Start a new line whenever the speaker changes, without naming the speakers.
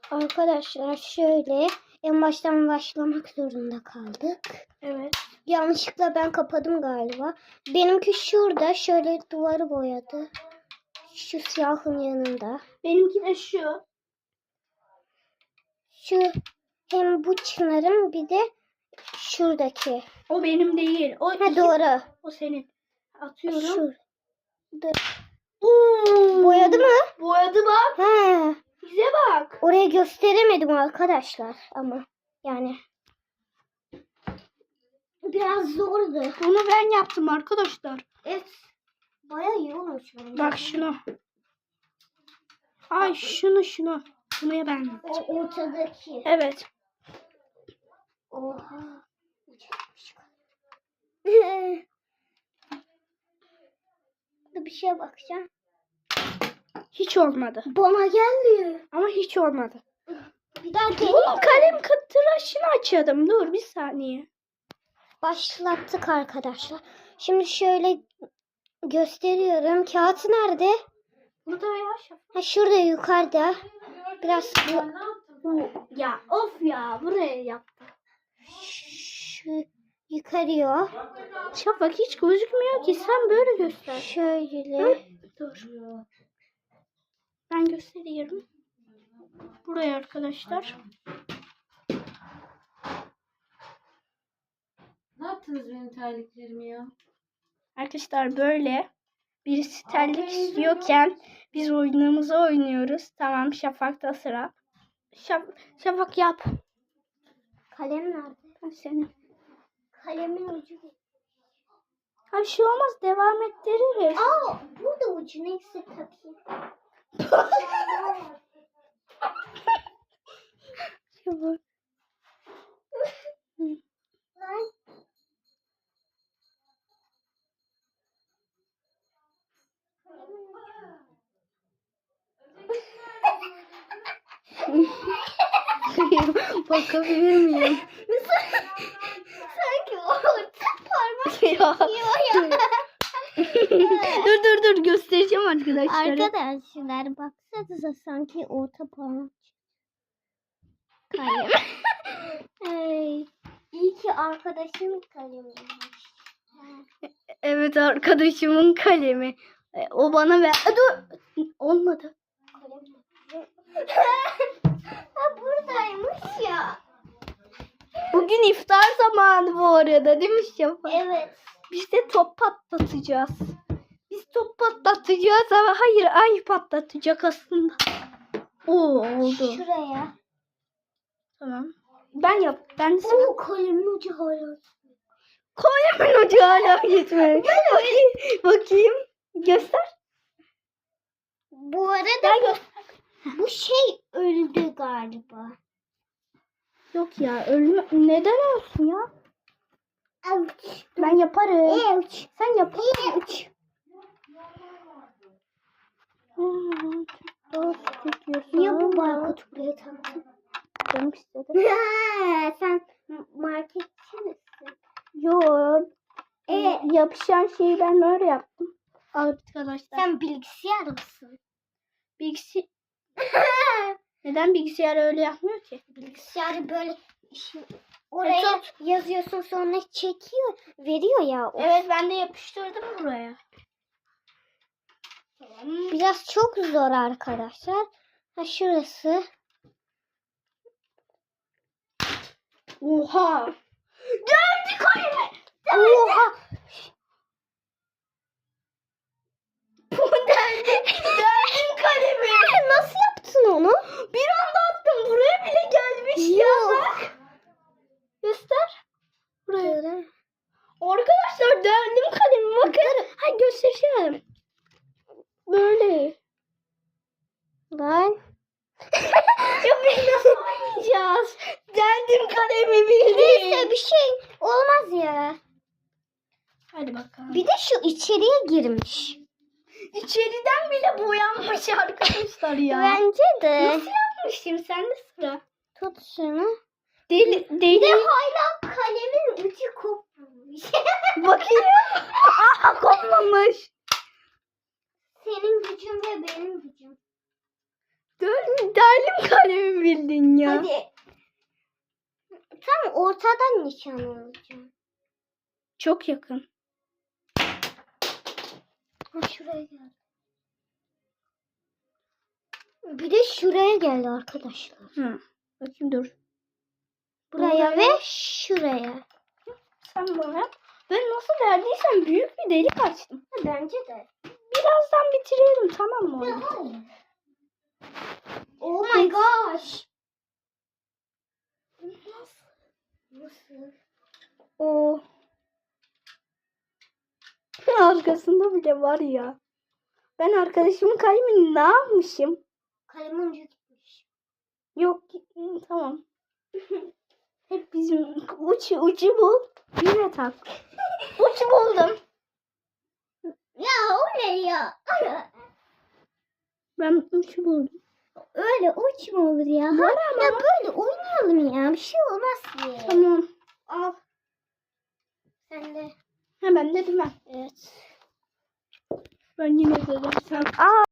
Arkadaşlar şöyle en baştan başlamak zorunda kaldık.
Evet.
Yanlışlıkla ben kapadım galiba. Benimki şurada şöyle duvarı boyadı. Şu siyahın yanında.
Benimki de şu.
Şu hem bu çınarın bir de şuradaki.
O benim değil. O
Ha doğru.
O senin. Atıyorum.
Şurada.
Oo,
Boyadı mı?
boyadı bak.
He.
Bize bak.
Oraya gösteremedim arkadaşlar ama yani biraz zordu.
Bunu ben yaptım arkadaşlar.
Evet. Bayağı iyi olmuş bence.
Bak şunu. Ay şunu. Bunu ya ben.
O ortadaki.
Evet.
Oha. Bir şeye bakacağım.
Hiç olmadı.
Bana gelmiyor.
Ama hiç olmadı.
Bir daha
Bunun
deneyeyim.
kalem tıraşını açalım. Dur bir saniye.
Başlattık arkadaşlar. Şimdi şöyle gösteriyorum. Kağıt nerede?
Burada ya.
Ha şurada yukarıda. Biraz
Ya of ya. Buraya yaptım.
şu yukarıya.
Şafak hiç gözükmüyor ki. Sen böyle göster.
Şöyle.
Dur. Ben gösteriyorum. Buraya arkadaşlar.
Ne yaptınız benim terliklerimi ya?
Arkadaşlar böyle birisi terlik istiyorken biz oyunumuzu oynuyoruz. Tamam Şafak'ta sıra. Şafak yap.
Kalem nerede?
Ben senin.
Kalemin ucu.
Ha bir şey olmaz. Devam ettiririz.
Aa, burada ucu neyse takayım.
Şafak.
Lan.
Bakabilir miyim?
Sanki orta parmak
Ya.
yiyor ya.
dur göstereceğim arkadaşlar.
Arkadaşlar baksanıza sanki orta parmak. Kalem. Hey, iyi ki arkadaşım kalemiymiş.
Evet arkadaşımın kalemi. O bana ver. Dur. Olmadı.
Ha buradaymış ya.
Bugün iftar zamanı bu arada değil mi Şafak?
Evet.
Biz de top patlatacağız. Biz top patlatacağız ama hayır ay patlatacak aslında. Oo oldu.
Şuraya.
Tamam. Ben yap. Ben de
Oo kalemin ucu hala.
Kalemin ucu hala gitmedi. Bakayım. Göster.
Bu arada bu şey öldü galiba.
Yok ya ölme. Neden olsun ya?
Ouch.
Ben yaparım.
Ouch.
Sen yap.
Ouch. Niye bu barkod buraya taktın?
Canım istedi.
Sen marketçi misin?
Yok. Yapışan şeyi ben öyle yaptım. Arkadaşlar.
Sen bilgisayar mısın?
Neden bilgisayar öyle yapmıyor ki?
Bilgisayarı böyle oraya yazıyorsun sonra çekiyor, veriyor ya.
Evet ben de yapıştırdım buraya. Tamam.
Biraz çok zor arkadaşlar. Ha şurası.
Oha. Geldi kalemi.
Oha.
Geldi kalemi.
Nasıl yaptın onu?
Bir anda attım. Buraya bile gelmiş ya bak. Göster. Buraya. Arkadaşlar deldim kalemi. Bakın. Ha göstereceğim. Böyle.
Lan.
Ya biz nasıl oynayacağız? Deldim kalemi bildiğin.
Neyse bir şey olmaz ya.
Hadi bakalım.
Bir de şu içeriye girmiş.
İçeriden bile boyanmış arkadaşlar ya.
Bence de.
Nasıl yapmışım? Sende sıra.
Tut şunu.
Deli.
Bir de hala kalemin ucu kopmuş.
Bakayım. Aa kopmamış.
Senin gücün ve benim gücüm.
Deldim kalemi bildiğin.
Hadi. Tam ortadan nişan alacağım.
Çok yakın.
Ha, şuraya gel. Bir de şuraya geldi arkadaşlar.
Hı. Bakayım dur.
Buraya ve şuraya.
Sen bana. Ben nasıl verdiysem büyük bir delik açtım.
Bence de.
Birazdan bitirelim, tamam mı oyunu?
Oh my gosh. Nasıl?
O arkasında bile var ya. Ben arkadaşımın kalemini ne yapmışım?
Kalemin ucu gitmiş.
Yok, tamam. Hep bizim ucu bul. Yine tak. Uç buldum.
Ya o ne ya?
Ben uç buldum.
Öyle uç mu olur ya?
Var ama.
Ya böyle oynayalım ya. Bir şey olmaz ki.
Tamam.
Al. Sen de.
Hemen dedim ben.
Evet.
Ben yine dedim sen. Aa.